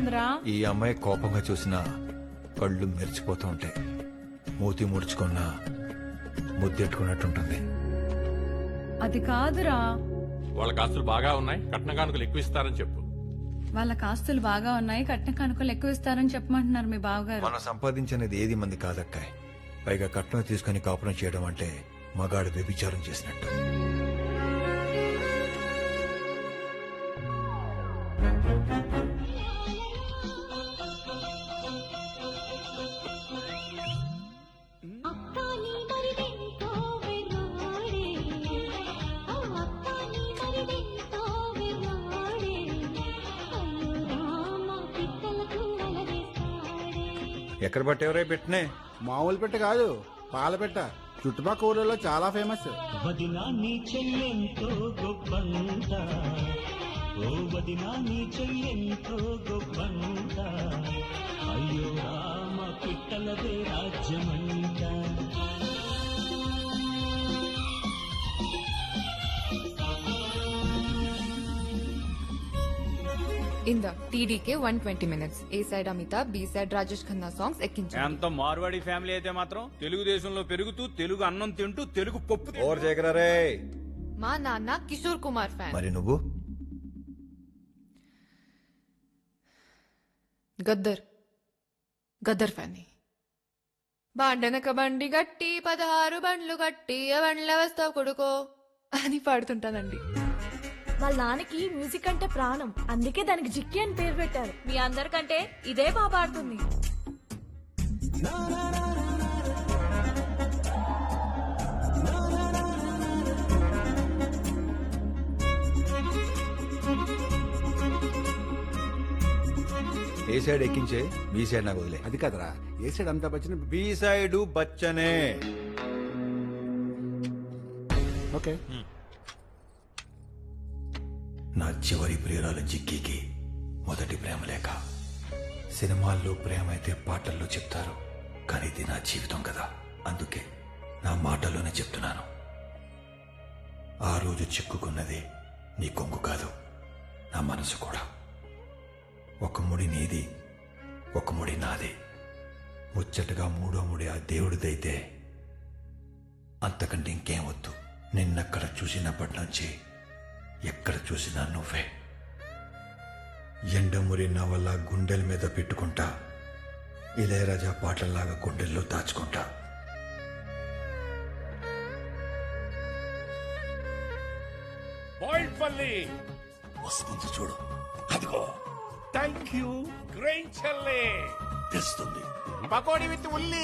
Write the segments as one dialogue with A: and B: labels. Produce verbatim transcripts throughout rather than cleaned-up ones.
A: ఏమైందిరా?
B: ఈ అమ్మాయి కోపంగా చూసినా కళ్ళు మెరిచిపోతూ ఉంటాయి. మూతి ముడుచుకున్నా ముద్దెట్టుకున్నట్టుంటుంది.
A: అది కాదురా.
C: వాళ్ళ ఆస్తులు బాగా ఉన్నాయి, కట్న కానుకలు ఎక్కువ ఇస్తారని చెప్పు.
A: వాళ్ళ ఆస్తులు బాగా ఉన్నాయి, కట్న కానుకలు ఎక్కువ ఇస్తారని చెప్పమంటున్నారు మీ బావగారు.
B: మనం సంపాదించినది ఏది మంది కాదక్కాయ్. పైగా కట్నం తీసుకుని కాపురం చేయడం అంటే మగాడు వ్యభిచారం చేసినట్టు. ఎక్కడ పట్టేవరే పెట్టినే?
D: మామూలు పెట్ట కాదు, పాల పెట్ట. చుట్టుపక్కల ఊళ్ళలో చాలా ఫేమస్.
E: వదినా నీ చెల్లెంతో గొప్పంత, ఓ వదినా నీ చెల్లెంతో గొప్పంత, అయ్యో రామ పిట్టలదే రాజ్యమంట.
F: ఇంద టీడీకే one twenty minutes. A side Amitabh, B side Rajesh Khanna songs ఎక్కించండి.
G: ఎంత మార్వాడి ఫ్యామిలీ అయితే మాత్రం తెలుగుదేశంలో పెరుగుతూ తెలుగు అన్నం తింటూ తెలుగు పప్పు
B: ఓవర్ చేయగలరే.
F: మా నాన్న కిషోర్ కుమార్ ఫ్యాన్.
B: మరి నువ్వు?
F: గద్దర్ గద్దర్ ఫ్యాన్. బాండనక బండి గట్టి పదహారు బండ్లు గట్టి బండ్ల వస్తావు కొడుకో అని పాడుతుంటానండి.
H: వాళ్ళ నాన్నకి మ్యూజిక్ అంటే ప్రాణం, అందుకే దానికి జిక్కి అని పేరు పెట్టారు. మీ అందరికంటే ఇదే బాగా పాడుతుంది.
B: ఏ సైడ్ ఎక్కించే, బి సైడ్ నాకు వదిలే.
D: అది కదరా, ఏ సైడ్ అంతా బచ్చిన.
B: బి సైడ్ బచ్చనే.
D: ఓకే.
B: నా చివరి ప్రియురాలు జిక్కీకి మొదటి ప్రేమ లేక. సినిమాల్లో ప్రేమ అయితే పాటల్లో చెప్తారు, కానీ ఇది నా జీవితం కదా, అందుకే నా మాటల్లోనే చెప్తున్నాను. ఆ రోజు చిక్కుకున్నది నీ కొంగు కాదు, నా మనసు కూడా. ఒక ముడి నీది, ఒక ముడి నాది. ముచ్చటగా మూడో ముడి ఆ దేవుడిదైతే అంతకంటే ఇంకేం వద్దు. నిన్నక్కడ చూసినప్పటి నుంచి ఎక్కడ చూసినా నువ్వే. ఎండమురి నా వల్ల గుండెల మీద పెట్టుకుంటా, ఇళయరాజా పాటల్లాగా గుండెల్లో దాచుకుంటా.
I: వస్తుంది చూడు, అదిగో.
C: థ్యాంక్ యూ గ్రేట్ చెల్లే.
I: తెస్తుంది
C: పకోడీ విత్ ఉల్లి.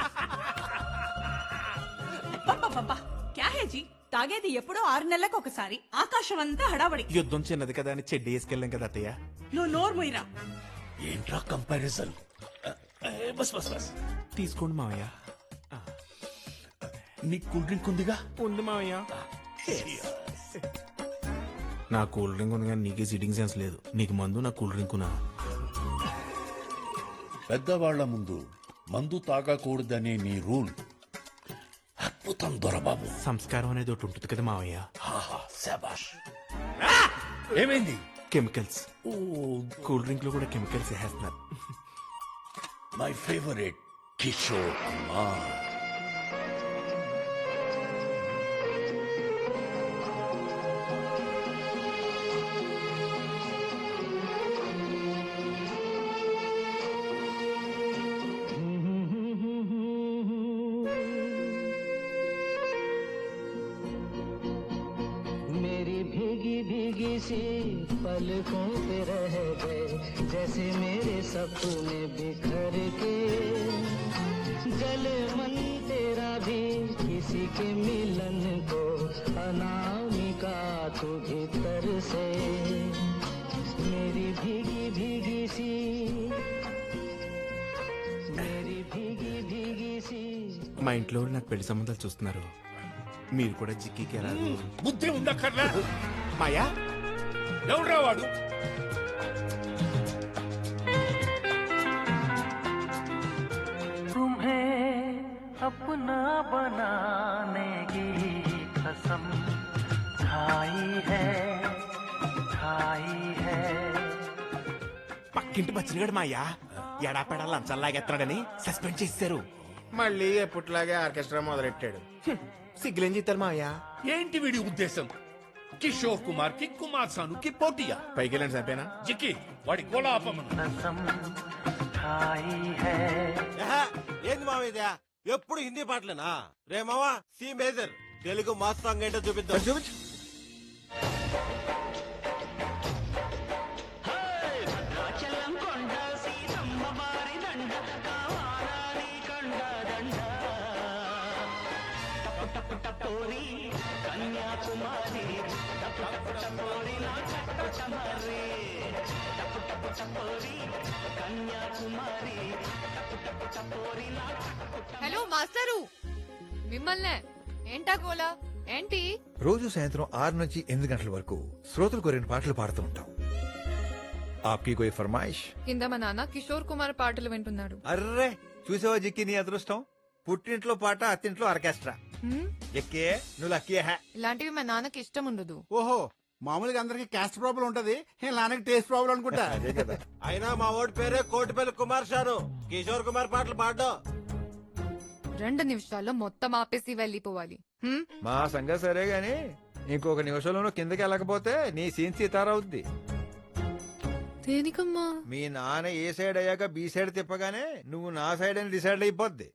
A: క్యా హే జీ, తాగేది ఎప్పుడో ఆరు నెలలకు ఒకసారి. ఆకాశం అంతా హడావడి.
G: యుద్ధం చిన్నది కదా అని చెడ్డి వేసుకెళ్ళాం కదా అత్తయ్య.
A: నువ్వు నోరు మొయ్యరా.
I: ఏంట్రా కంపారిజన్? బస్ బస్ బస్
G: తీసుకోండి మావయ్య.
I: నీ కూల్ డ్రింక్ ఉందిగా?
G: ఉంది మావయ్య. నా కూల్ డ్రింక్ ఉంది కానీ నీకే సిట్టింగ్ సెన్స్ లేదు. నీకు మందు, నా కూల్ డ్రింక్ నా.
I: పెద్దవాళ్ల ముందు మందు తాగకూడదనే నీ రూల్ అద్భుతం దొరబాబు.
G: సంస్కారం అనేది ఒకటి ఉంటుంది కదా మావయ్య.
I: శాబాష్. ఏమైంది?
G: కెమికల్స్. కూల్ డ్రింక్ లో కూడా కెమికల్స్ వేస్తున్నారు.
I: My favourite Kishore Kumar.
E: सी पलकों पे रह गए जैसे मेरे सपने बिखर के, जले मन तेरा भी किसी के मिलन को अनामिका तू भीतर से, मेरी भीगी भीगी सी मेरी भीगी भीगी सी.
G: మా ఇంట్లో నాకు పెళ్లి సంబంధాలు చూస్తున్నారు. మీరు కూడా జిక్కి రాదు.
C: బుద్ధి ఉందక్కర్లా.
G: మాయా
C: ఎవడ్రా వాడు?
E: तुम्हें अपना बनाने की कसम खाई है खाई है.
J: పక్కింటి బచ్చినగాడు మా అయ్యా ఎడాపెడా లంచాలాగెత్తాడని సస్పెండ్ చేశారు.
D: మళ్ళీ ఎప్పటిలాగే ఆర్కెస్ట్రా మొదలెట్టాడు. సిగ్గులేం చేస్తారు మా అయ్యా?
I: ఏంటి వీడి ఉద్దేశం? కిషోర్ కుమార్ కి కుమార్ సానుకి పోటీయా?
D: పైకి వెళ్ళండి చంపేనా?
I: జిక్కి వాడి గోళ ఆపమను.
E: कसम खाई है
J: ఏంది మావ ఇదే ఎప్పుడు హిందీ పాటలేనా? రే మావా C major Telugu mass song ఏంటో చూపిద్దాం.
B: చూపించు.
F: హలో మాస్టరు, మిమ్మల్నే. ఏంటా గోలా ఏంటి?
B: రోజు సాయంత్రం ఆరు నుంచి ఎనిమిది గంటల వరకు శ్రోతలు కోరిన పాటలు పాడుతూ ఉంటాం. ఆప్కి కోయి ఫర్మాయిష్?
F: కింద మా నాన్న కిషోర్ కుమార్ పాటలు వింటున్నాడు.
B: అర్రే చూసావా జిక్కి నీ అదృష్టం. పుట్టింట్లో పాట, అత్తింట్లో ఆర్కెస్ట్రా.
F: హ్మ్?
B: ఎక్కే నువ్వు లక్కీ హే.
F: ఇలాంటివి మా నాన్నకి ఇష్టం ఉండదు.
D: ఓహో, మామూలుగా అందరికి క్యాస్ట్ ప్రాబ్లం ఉంటది, ఈ నాన్నకి టేస్ట్ ప్రాబ్లం అనుకుంటా.
B: అదే కదా.
J: అయినా మా ఓడి పేరే కోటిపల్లి కుమార్ షాను. కిషోర్ కుమార్ పాటలు పాడడం
F: రెండు నిమిషాల్లో మొత్తం ఆపేసి వెళ్ళిపోవాలి. హ్మ్?
B: మా సంగతి సరే గాని ఇంకొక నిమిషంలోనూ కిందకి వెళ్ళకపోతే నీ సీన్ సీతారవుద్ది.
F: దేనికమ్మా?
B: మీ నాన్న ఏ సైడ్ అయ్యాక బి సైడ్ తిప్పగానే నువ్వు నా సైడ్ అని డిసైడ్ అయిపోద్ది.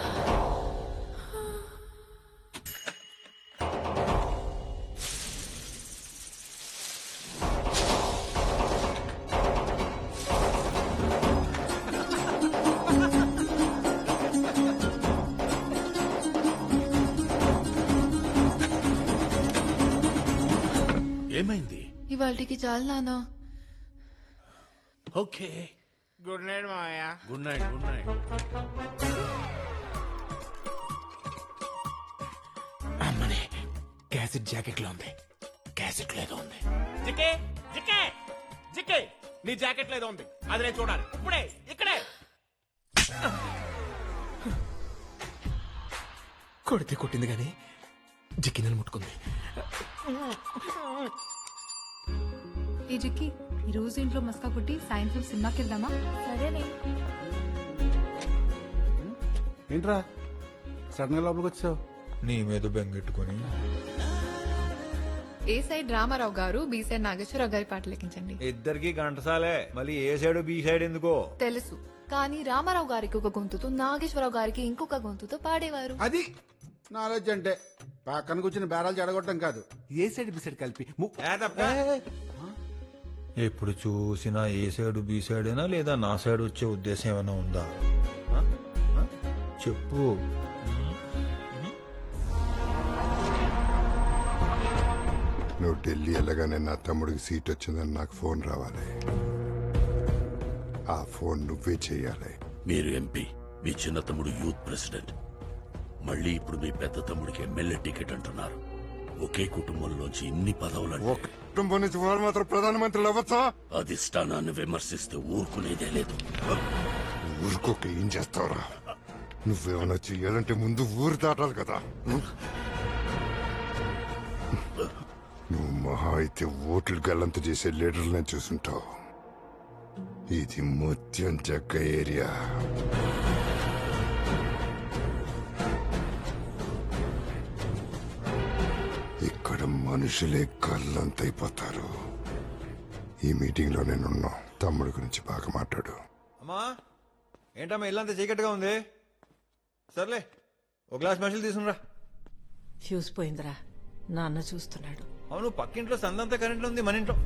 I: ఏమైంది?
F: ఇవాళకి చాలు నాన్న.
I: ఓకే,
D: గుడ్ నైట్ మావయ్య.
I: Good night. Good night.
J: అమ్మనే క్యాసెట్ జాకెట్ లో ఉంది. క్యాసెట్ లేదో ఉంది.
G: జికే జికే జికే నీ జాకెట్ లేదో ఉంది, అది నేను చూడాలి ఇప్పుడే ఇక్కడే.
J: కొడితే కొట్టింది గాని జిక్కినని ముట్టుకుంది.
A: ఈ జిక్కి ఈ రోజు ఇంట్లో మస్కా కొట్టి సాయంత్రం సినిమాకి వెళ్దామా?
H: సరేనే.
D: ఏంట్రా సడన్ గా లోపలికి వచ్చావు?
B: నీ మీద బెంగెట్టుకుని
F: ఏ సైడ్ రామారావు గారు, బి సైడ్ నాగేశ్వరరావు గారి పాటలు లెక్కించండి.
B: ఇద్దరికి గంటసాలే. మళ్ళీ ఏ సైడ్ బి సైడ్ ఎందుకో
F: తెలుసు, కానీ రామారావు గారికి ఒక గొంతుతో, నాగేశ్వరరావు గారికి ఇంకొక గొంతుతో పాడేవారు.
D: అది నాలెడ్జ్ అంటే పక్కన కూర్చుని బేరాలు చెడగొట్టడం కాదు.
J: ఏ సైడ్ బి సైడ్ కలిపి ము-
B: ఎప్పుడు చూసినా ఏ సైడ్ బి సైడ్ అయినా లేదా నా సైడ్ వచ్చే ఉద్దేశం ఏమైనా ఉందా? ఆ? ఆ? చెప్పు.
K: నువ్వు ఢిల్లీ వెళ్ళగానే నా తమ్ముడికి సీట్ వచ్చిందని నాకు ఫోన్ రావాలి. ఆ ఫోన్ నువ్వే చేయాలి.
I: మీరు ఎంపీ, మీ చిన్న తమ్ముడు యూత్ ప్రెసిడెంట్, మళ్ళీ ఇప్పుడు మీ పెద్ద తమ్ముడికి ఎమ్మెల్యే టికెట్ అంటున్నారు. ఒకే కుటుంబంలోంచి ఇన్ని పదవులు
K: ఒక కుటుంబం నుంచి వారు మాత్రం ప్రధానమంత్రులు అవ్వచ్చా?
I: అధిష్టానాన్ని విమర్శిస్తే ఊరుకునేదే లేదు.
K: ఊరుకోక ఏం చేస్తావురా? నువ్వేమన్నా చెయ్యాలంటే ముందు ఊరు దాటాలి కదా. నువ్వు మహా అయితే ఓట్లు గల్లంత చేసే లీడర్లను చూసుంటావు. ఇది ముత్యం జగ్గ ఏరియా. ఇక్కడ మనుషులే గల్లంతైపోతారు. ఈ మీటింగ్ లో నేనున్నా. తమ్ముడి గురించి బాగా మాట్లాడు.
B: అమ్మా ఏంటమ్మా ఇల్లంతా చీకటిగా ఉంది? సర్లే ఒక గ్లాస్ మనుషులు తీసుకురా.
A: ఫ్యూజ్ పోయిందిరా, నాన్న చూస్తున్నాడు.
B: అవును, పక్కింట్లో సందంతా కరెంట్లో ఉంది, మన ఇంట్లో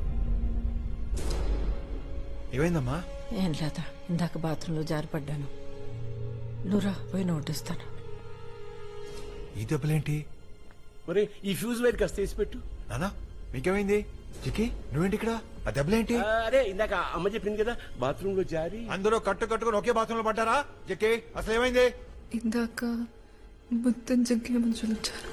B: ఏమైందమ్మా?
A: ఏం లేదా, ఇందాక బాత్రూంలో జారిపడ్డాను. నువ్వురా పోయి నోటిస్తాను.
B: ఈ దెబ్బలేంటి?
J: మరి ఈ ఫ్యూజ్ వైర్ కాస్త తీసి పెట్టు.
B: నానా మీకేమైంది? చిక్కి నువ్వేంటి ఇక్కడ? ఆ దెబ్బలేంటి?
J: అరే ఇందాక అమ్మ చెప్పింది కదా బాత్రూమ్ లో జారి.
B: అందరూ కట్టు కట్టుకుని ఒకే బాత్రూంలో పడ్డారా? చిక్కి అసలు ఏమైంది?
F: ఇందాక మొత్తం జగ్గే మనుషులు వచ్చారు.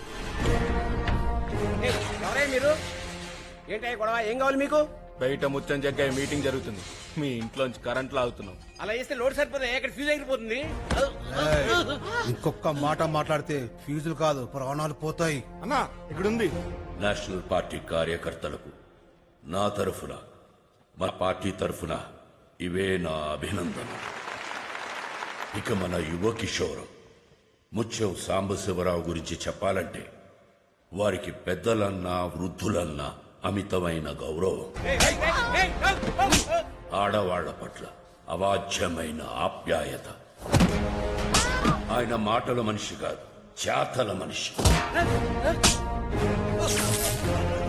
G: ఎవరే మీరు? ఏంటి గొడవ? ఏం కావాలి మీకు? బయట ముచ్చం జగ్గాయ మీటింగ్ జరుగుతుంది, మీ ఇంట్లోంచి కరెంట్ లాగుతున్నాం. అలా చేస్తే లోడ్ సరిపోతుంది, ఎక్కడ ఫ్యూజ్ ఎగిరిపోతుంది.
D: ఇంకొక మాట మాట్లాడితే ఫీజులు కాదు ప్రాణాలు పోతాయి.
J: అన్నా ఇక్కడుంది.
I: నేషనల్ పార్టీ కార్యకర్తలకు నా తరఫున, మా పార్టీ తరఫున ఇవే నా అభినందన. ఇక మన యువ కిషోరం ముత్యం సాంబశివరావు గురించి చెప్పాలంటే వారికి పెద్దలన్నా వృద్ధులన్నా అమితమైన గౌరవం, ఆడవాళ్ల పట్ల అవాచ్యమైన ఆప్యాయత. ఆయన మాటల మనిషి కాదు, చేతల మనిషి.